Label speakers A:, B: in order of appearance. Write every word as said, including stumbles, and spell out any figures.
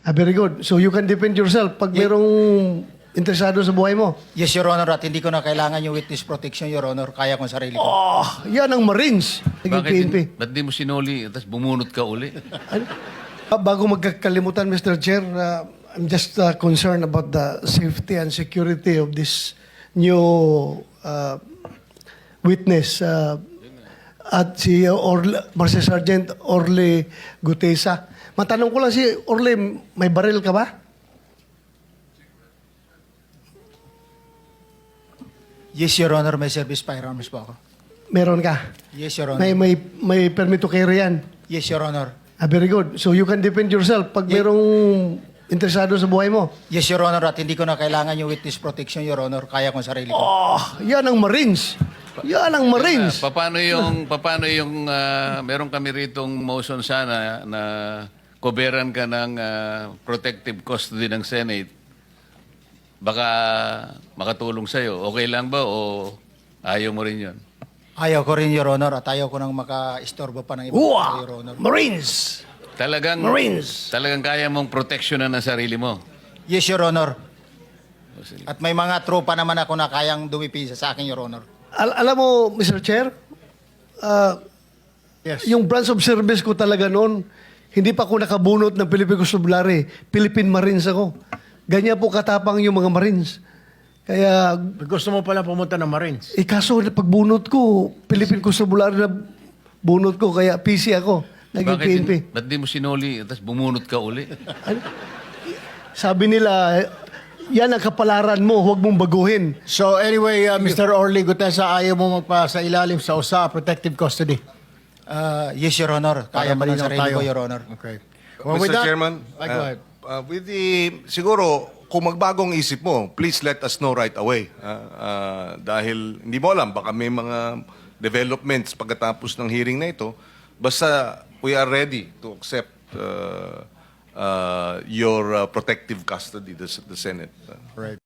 A: Ah, very good. So you can defend yourself pag merong interesado sa buhay mo.
B: Yes, Your Honor, at hindi ko na kailangan yung witness protection, Your Honor. Kaya ko ang sarili ko.
A: Oh, yan ang Marines. Naging
C: Bakit
A: P N P.
C: di, ba't di mo sinuli tapos bumunot ka uli?
A: Ano? Ah, Bago magkakalimutan, Mister Chair, uh, I'm just uh, concerned about the safety and security of this new uh, witness. Uh, at si Orle, Master Sergeant Orle Gutesa. Matanong ko lang si Orle, may baril ka ba?
B: Yes, Your Honor, may service firearms po ako.
A: Meron ka?
B: Yes, Your Honor.
A: May, may, may permit to carry yan?
B: Yes, Your Honor.
A: Ah, very good. So you can defend yourself pag
B: Ye-
A: merong interesado sa buhay mo.
B: Yes, Your Honor, at hindi ko na kailangan yung witness protection, Your Honor. Kaya ko ang sarili ko.
A: Oh, yan ang Marines. Yan ang Marines.
C: Ah, paano yung paano yung ah, meron kami ritong motion sana na koberan ka ng ah, protective custody ng Senate. Baka makatulong sa'yo. Okay lang ba o ayaw mo rin yun?
B: Ayaw ko rin, Your Honor, at ayaw ko nang maka-istorbo pa ng iba,
A: Uwa!
B: Your Honor.
A: Marines!
C: Talagang,
A: Marines!
C: talagang kaya mong proteksyonan ang sarili mo.
B: Yes, Your Honor.
C: O, sige.
B: At may mga tropa naman ako na kayang dumipisa sa akin, Your Honor.
A: Al- alam mo, Mister Chair, ah,
B: Yes.
A: yung branch of service ko talaga noon, hindi pa ako nakabunot ng Philippine Constabulary. Philippine Marines ako. Ganyan po katapang yung mga Marines. Kaya,
D: Gusto mo pala pumunta ng Marines.
A: eh kaso pagbunot ko, Philippine Constabulary na bunot ko, kaya P C ako. Naging
C: Bakit
A: P N P.
C: di- ba't di mo sinuli tapos bumunot ka uli?
A: Ano? Sabi nila, yan ang kapalaran mo, huwag mong baguhin.
D: So anyway, uh, Mister Orly Gutesa, ayaw mo magpa sa ilalim sa U S A, protective custody.
B: Uh, yes, Your Honor. Kaya
D: Para
B: ko ng
D: malinaw
B: sarili
D: tayo.
B: ko, Your Honor.
D: Okay.
E: Mister Chairman,
D: Ay, go
E: uh,
D: ahead.
E: uh, with the, siguro, kung magbagong isip mo, please let us know right away. Uh, uh, dahil hindi mo alam, baka may mga developments pagkatapos ng hearing na ito. Basta we are ready to accept uh, uh, your uh, protective custody, the, the Senate. Uh,
D: Right.